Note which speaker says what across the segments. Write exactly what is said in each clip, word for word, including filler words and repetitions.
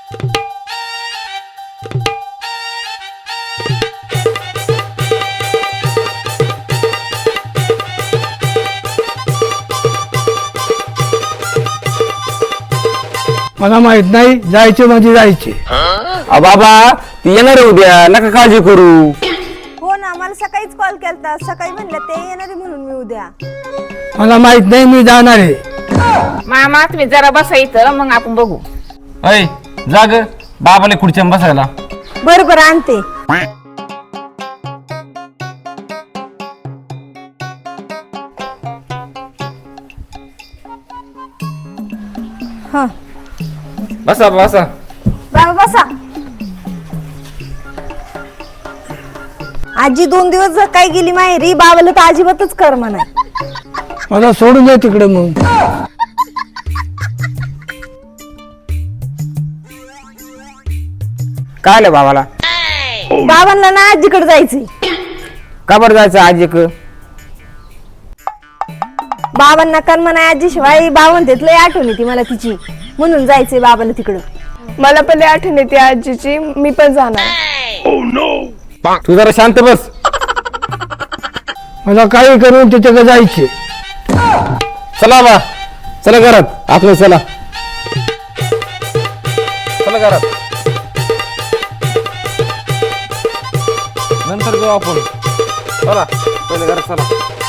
Speaker 1: मला माहित नाही, जायचे म्हणजे जायचे.
Speaker 2: बाबा ती येणार आहे उद्या, नका काळजी करू.
Speaker 3: हो ना, मला सकाळीच कॉल केलता, सकाळी म्हणलं ते येणार आहे म्हणून मी उद्या.
Speaker 1: मला माहित नाही, मी जाणार आहे.
Speaker 4: मामा तुम्ही जरा बसा इथं, मग आपण बघू.
Speaker 2: अय जाग बाबाला खुर्च्या बसायला.
Speaker 3: बरं बरं आणते. हा
Speaker 2: बसा बसा.
Speaker 3: बाबा बसा. आजी दोन दिवस जर काय गेली माहेरी, बाबाला तर अजिबातच कर म्हणा.
Speaker 1: मला सोडून दे तिकडे. मग
Speaker 2: काय आलं बाबाला?
Speaker 3: बाबांना ना आजीकडे जायचंय.
Speaker 2: का बरं जायचं आजी क?
Speaker 3: बाबांना कर म्हणा आजी शिवाय बावन लय आठवण येते मला तिची, म्हणून जायचंय बाबाला तिकडं.
Speaker 5: मला पण लय आठवण येते आजीची, मी पण जाणार.
Speaker 2: तू जरा शांत बस.
Speaker 1: मला काही करून तिच्याकडे जायचे.
Speaker 2: चला बा, चला घरात. आपण चला चला घरात, नंतर जाऊ आपण. चला पहिले घरात चला.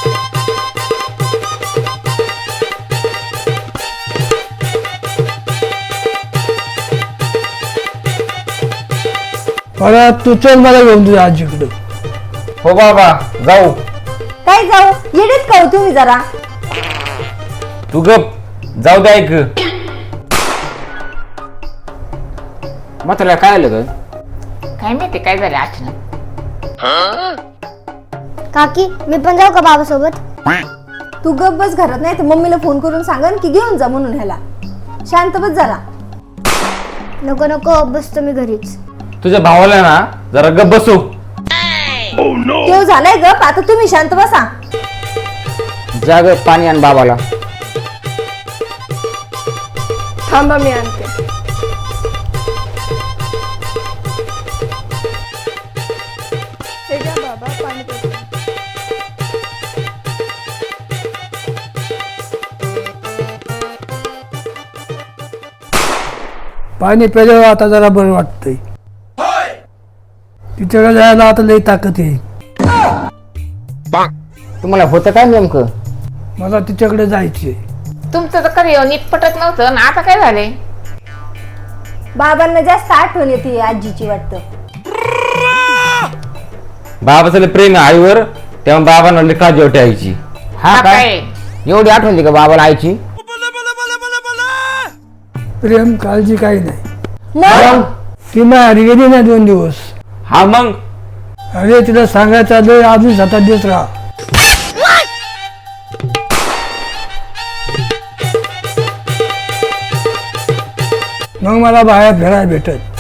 Speaker 1: मला तू चल, मला घेऊन तुझ्या आजीकडे.
Speaker 2: हो बाबा जाऊ.
Speaker 3: काय जाऊ, येडेत का हो तुम्ही जरा.
Speaker 2: तू गप, जाऊ दे. ऐक म्हाताऱ्याला काय आलं ग?
Speaker 4: काय माहिती काय झालं अचानक.
Speaker 6: काकी मी पण जाऊ का बाबा सोबत?
Speaker 3: तू गप बस घरात, नाही तर मम्मीला फोन करून सांगन की घेऊन जा म्हणून. ह्याला शांत बस जरा.
Speaker 6: नको नको, बसतो मी घरीच.
Speaker 2: तुझ्या भावाला ना जरा गप बसू.
Speaker 3: तेव झालंय गप, आता तुम्ही शांत बसा.
Speaker 2: जाग पाणी आण बाबाला.
Speaker 5: थांबा मी आणते. हे घ्या बाबा, पाणी पितो.
Speaker 1: पाणी प्यायल्यावर आता जरा बरं वाटतंय. तिच्याकडे जायला आता लई ताकद येईल.
Speaker 2: तुम्हाला होतं काय नेमकं?
Speaker 1: मला तिच्याकडे जायचे.
Speaker 4: तुमचं तर कधी नीट पटत नव्हतं ना, आता काय झाले?
Speaker 3: बाबांना जास्त आठवण येते आजीची वाटतं.
Speaker 2: बाबाचं लय प्रेम आहे आईवर, तेव्हा बाबांना लय काळजी वाटते आईची. हा
Speaker 4: हा
Speaker 2: काय
Speaker 4: काय?
Speaker 2: एवढी आठवण होती का बाबाला आईची?
Speaker 1: प्रेम काळजी काही नाही.
Speaker 3: मग
Speaker 1: ती माहेरी गेली ना दोन दिवस.
Speaker 2: हा मग
Speaker 1: अरे तिला सांगायचं आलं, अजून सात आठ दिवस राहा. मग मला बाहेर फिरायला भेटत.